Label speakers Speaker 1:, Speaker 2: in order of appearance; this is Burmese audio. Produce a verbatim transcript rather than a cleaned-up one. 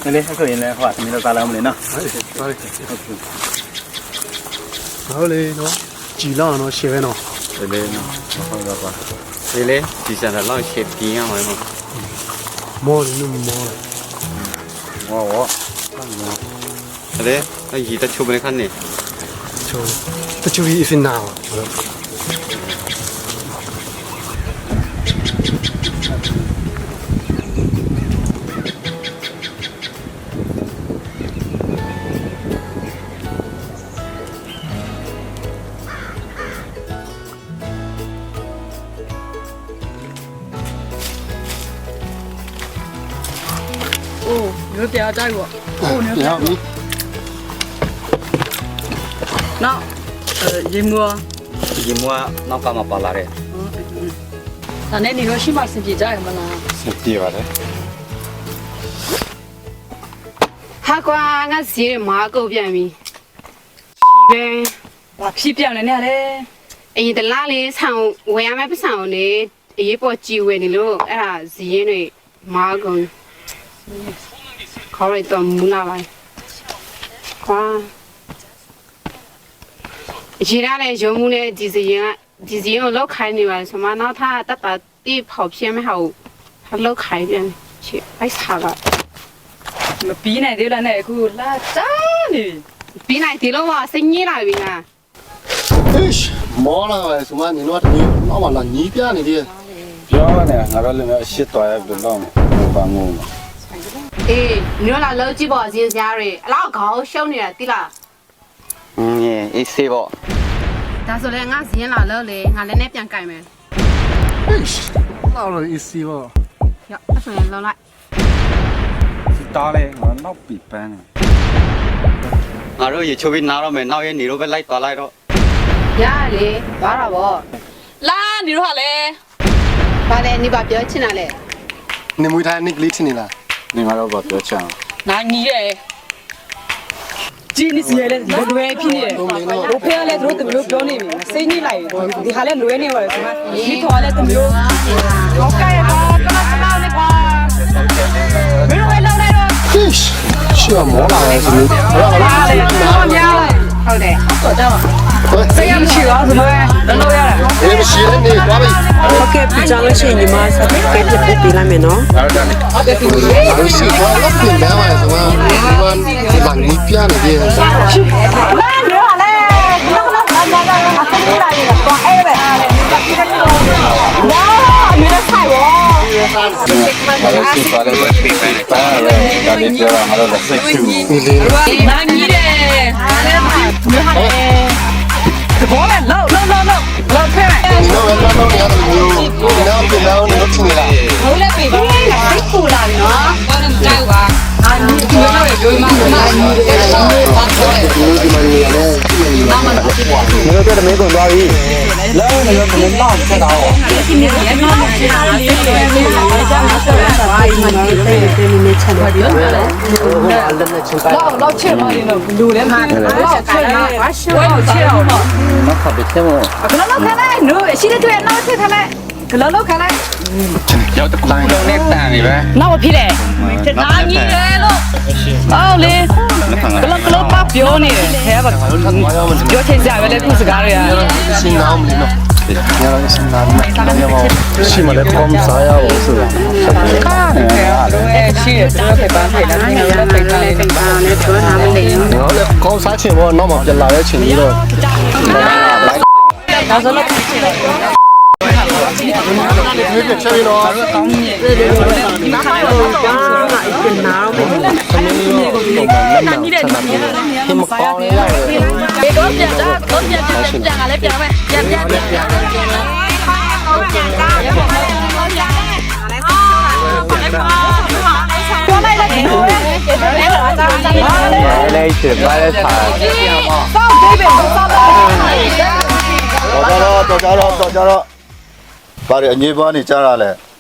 Speaker 1: လေအခုရင်လည်းဟိုကသမီးတို့စားလာမလို့နော်
Speaker 2: ဟုတ်တယ်ဟုတ်တယ်ဟုတ်လေနော်ကြည်လောက်နော်ရှယ်ပဲနော်
Speaker 3: 对嘞，喏，好个吧。对嘞，底下的老些边啊，嘛。
Speaker 2: မော်နေမော်
Speaker 3: 我我。好嘞，那伊在出门看呢。
Speaker 2: ချိုးတချို့ကြီးအစ်နာ
Speaker 4: 哦，有点在我。哦，你
Speaker 2: ပြောပြီ
Speaker 4: 那，呃，人么？
Speaker 3: 伊莫那干嘛巴拉嘞？
Speaker 4: 嗯，那那你说起码是几在么呢？
Speaker 3: 是地吧嘞？
Speaker 5: 哈瓜，我是马狗边咪，呗。
Speaker 4: 哇，皮变了呢嘞！
Speaker 5: 哎，在哪里唱？我也买不上呢，一包鸡尾的喽，哎呀，是因为马狗，考虑到木那来，哇。其他的项目呢，就是因为就是因为老开的嘛，什么那他打打地跑偏没好，他老开点去，太差了。
Speaker 4: 么比那的了那个拉渣呢？
Speaker 5: 比那地了哇，生意那边啊。
Speaker 2: အေးမော်လာပဲဆိုမှနင်တို့ကတမျိုးတော့မလာညီးပြနေတယ်
Speaker 3: ပြောနေငါတို့လည်းရှစ်တော်ရပြီတော့ဘာငုံ
Speaker 5: 诶，你那老几包钱家嘞？老高小呢，对啦。
Speaker 3: 嗯耶，一些不。
Speaker 5: 但是嘞，俺是老老嘞，俺在那边改没。
Speaker 2: အေးလောက်လို့အစ်စီပေါ့
Speaker 5: 呀，我说老来。
Speaker 3: 打嘞，我闹比班呢。ငါတို့ရေချိုးပြီးနားတော့မယ်နောက်ရဲ့နေတော့ပဲလိုက်သွားလိုက်တော့
Speaker 5: 呀嘞，完了不？
Speaker 4: 拉你说啥嘞？
Speaker 5: 完了，你把表请来嘞。
Speaker 2: နေမွေးထားနိကလေးချင်းနေလား
Speaker 3: နေငါတော့ဘာပြောချင်
Speaker 4: 那你嘞？今你是嘞，你乱批的。我朋友嘞，都都没有表你们，谁你来？你还来乱你话什么？你拖嘞都没有。我改吧，跟他是老的吧。没人会老来了。
Speaker 2: အေးရှေ့မော်လာပဲဆိုလို့ဟုတ်လား
Speaker 4: 拉嘞，老娘嘞。
Speaker 5: 好的。
Speaker 4: 坐着吧。这样去啊？什么？能老呀？
Speaker 2: အေးမရှိလည်းနေသွားပြီ
Speaker 6: ဟုတ်ကဲ့ပြကြောင်းလို့ရှိရင်ညီမဆက်ပြီးကဲပြပြပေးလိုက်မယ်နော်
Speaker 2: လို့ရှိတော့လောက်ပြင်တယ်ပါဆိုမှဒီမှာဒီမှာညီးပြနေတယ်
Speaker 4: 那你说嘞？你那个那那那那那生意来的，光哎呗。哇，没得菜哦。
Speaker 3: ငါတို့စစ်သွားတယ်ပဲပြင်ပန်းတယ်ပါလေဒါလေးပြောတာငါတို့လည်းစိတ်ချူ
Speaker 2: ဒီလေး
Speaker 4: 那你嘞？你好嘞？过来，捞捞捞捞捞出来。
Speaker 2: ဒီတော့လည်းတော့ရတယ်မျိုးဒီနောက်ပြန်တော့နေချင်းနေလား
Speaker 4: 好嘞，贝贝，辛苦了喏。我能摘吧？啊，你你那位舅妈，那你这个发出来。
Speaker 2: ဒီလိုဒီမှာနေရတယ်
Speaker 3: ငါတို့တော့မင်းကုန်သွားပြီလောနေတော့မင်းတော့ဆက်တော့
Speaker 6: ဒီနေ့လည်းမမချင်တာလေးတွေလေးတွေကြာမှာဆက်ရတာပါဒီမှာတေးတေးနေချင်တယ်ပြောတယ်
Speaker 2: ဟိုကအလည်းနဲ့ချင်းတိုင်း
Speaker 4: 老老切嘛，你那卤的嘛，老切嘛，我切我切了嘛。
Speaker 3: နောက်ခပ်ပြီးသေးမို့
Speaker 4: 可能老看来，卤现在对老切看来，可能老看来，
Speaker 3: ရောက်တခုလုံးနဲ့တန်နေပဲ
Speaker 4: 那我批嘞，那你来了，好嘞，可能可能把表呢，还不表现下来的故事干了呀。
Speaker 2: ရှင်းအောင်မလို့ညတော့ရှင်းတာမညမောရှိမလဲကောင်းစားရအောင်ဆိုတာ
Speaker 4: 哎，去，这个陪伴陪了，你那个陪伴嘞，陪伴嘞，说他们嘞。
Speaker 2: နော်လေကောင်းစားချင်ဘောတော့မှပြန်လာတဲ့ချိန်ကြီးတော့
Speaker 4: 他说那。
Speaker 2: ဒီကချက်ရတော့
Speaker 6: နားမှာအစ်ကနားမယ်
Speaker 2: သမီးရောတော့မမ်းချတာမျိုးဟိမကောင်းရရတယ်
Speaker 4: 别多变的，多变变变变啊来变呗，变变变变。 过来了，听我的，
Speaker 3: လေးချစ်ပါလေထား
Speaker 4: 放这边，放这边。
Speaker 7: တော်ကြတော့တော်ကြတော့တော်ကြတော့ဗါရအငြိပွားနေကြတာလေ